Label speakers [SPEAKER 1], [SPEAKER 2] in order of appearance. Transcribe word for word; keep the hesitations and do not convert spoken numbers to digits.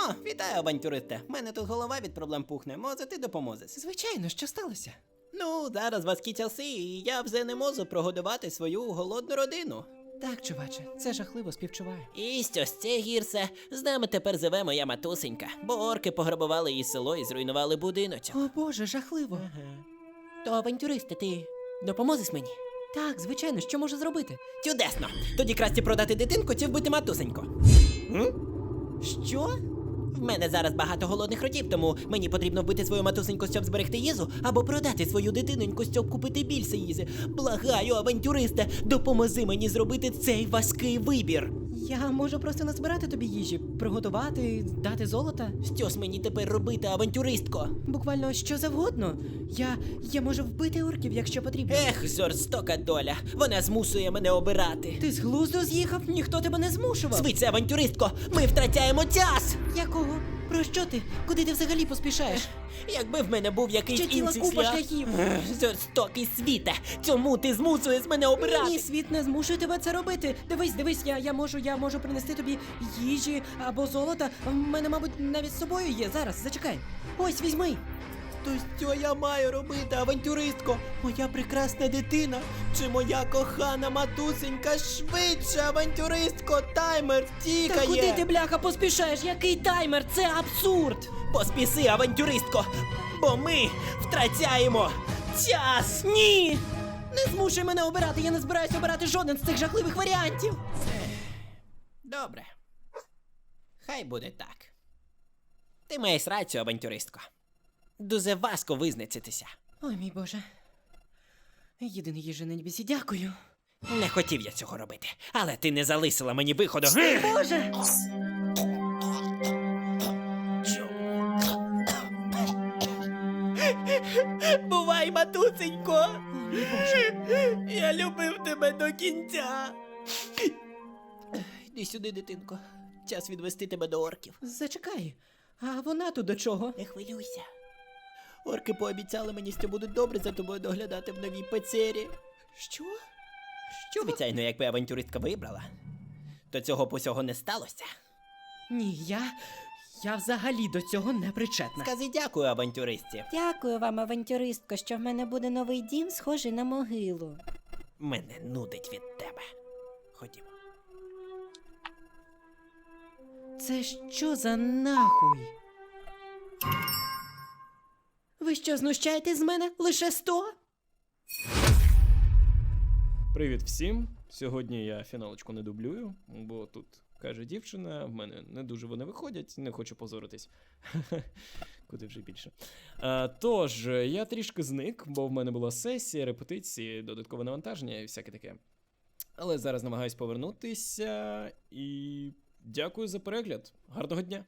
[SPEAKER 1] О, вітаю, авантюристе. В мене тут голова від проблем пухне. Може, ти допоможеш?
[SPEAKER 2] Звичайно, що сталося?
[SPEAKER 1] Ну, зараз важкі часи, і я вже не можу прогодувати свою голодну родину.
[SPEAKER 2] Так, чуваче, це жахливо, співчуваю.
[SPEAKER 1] І щось це гірше. З нами тепер живе моя матусенька, бо орки пограбували її село і зруйнували будиночок.
[SPEAKER 2] О боже, жахливо.
[SPEAKER 1] Ага. То, авантюристи, ти допоможеш мені?
[SPEAKER 2] Так, звичайно, що можу зробити?
[SPEAKER 1] Чудесно! Тоді краще продати дитинку чи вбити матусеньку. М? Що? В мене зараз багато голодних ротів, тому мені потрібно вбити свою матусеньку, щоб зберегти їжу, або продати свою дитиноньку, щоб купити більше їжі. Благаю, авантюристе, допоможи мені зробити цей важкий вибір.
[SPEAKER 2] Я можу просто назбирати тобі їжі, приготувати, дати золота.
[SPEAKER 1] Що ж мені тепер робити, авантюристко?
[SPEAKER 2] Буквально що завгодно. Я. я можу вбити орків, якщо потрібно.
[SPEAKER 1] Ех, жорстока доля. Вона змусує мене обирати.
[SPEAKER 2] Ти з глузду з'їхав? Ніхто тебе не змушував.
[SPEAKER 1] Швидше, авантюристко, ми втрачаємо час!
[SPEAKER 2] Якого? Про що ти? Куди ти взагалі поспішаєш?
[SPEAKER 1] Якби в мене був якийсь
[SPEAKER 2] Ще ціла
[SPEAKER 1] інший
[SPEAKER 2] купа
[SPEAKER 1] шлях.
[SPEAKER 2] шляхів.
[SPEAKER 1] Ех, Жорстокий світе, чому ти змусуєш мене обирати?
[SPEAKER 2] Ні, світ не змушує тебе це робити. Дивись, дивись, я, я можу, я можу принести тобі їжі або золота. В мене, мабуть, навіть з собою є. Зараз, зачекай. Ось, візьми.
[SPEAKER 1] То що я маю робити, авантюристко? Моя прекрасна дитина чи моя кохана матусенька? Швидше, авантюристко, таймер тікає!
[SPEAKER 2] Та куди ти, бляха, поспішаєш? Який таймер? Це абсурд!
[SPEAKER 1] Поспіси, авантюристко, бо ми втрачаємо час!
[SPEAKER 2] Ні! Не змушуй мене обирати, я не збираюсь обирати жоден з цих жахливих варіантів!
[SPEAKER 1] Добре. Хай буде так. Ти маєш рацію, авантюристко. Дуже важко визначитися.
[SPEAKER 2] Ой, мій Боже. Єдиний їжа на небесі, дякую.
[SPEAKER 1] Не хотів я цього робити, але ти не залишила мені виходу.
[SPEAKER 2] Боже!
[SPEAKER 1] Бувай, матусенько!
[SPEAKER 2] Ой, мій Боже.
[SPEAKER 1] Я любив тебе до кінця. Йди сюди, дитинко. Час відвести тебе до орків.
[SPEAKER 2] Зачекай, а вона тут до чого?
[SPEAKER 1] Не хвилюйся. Орки пообіцяли мені, що будуть добре за тобою доглядати в новій печері.
[SPEAKER 2] Що? Що?
[SPEAKER 1] Звичайно, якби авантюристка вибрала, то цього б усього не сталося.
[SPEAKER 2] Ні, я. Я взагалі до цього не причетна.
[SPEAKER 1] Скажи дякую, авантюристці.
[SPEAKER 3] Дякую вам, авантюристко, що в мене буде новий дім, схожий на могилу.
[SPEAKER 1] Мене нудить від тебе. Ходімо.
[SPEAKER 2] Це що за нахуй? Ви що, знущаєтесь з мене? Лише сто?
[SPEAKER 4] Привіт всім! Сьогодні я фіналочку не дублюю, бо тут каже дівчина, в мене не дуже вони виходять, не хочу позоритись. Куди вже більше. А, тож, я трішки зник, бо в мене була сесія, репетиції, додаткове навантаження і всяке таке. Але зараз намагаюсь повернутися і дякую за перегляд. Гарного дня!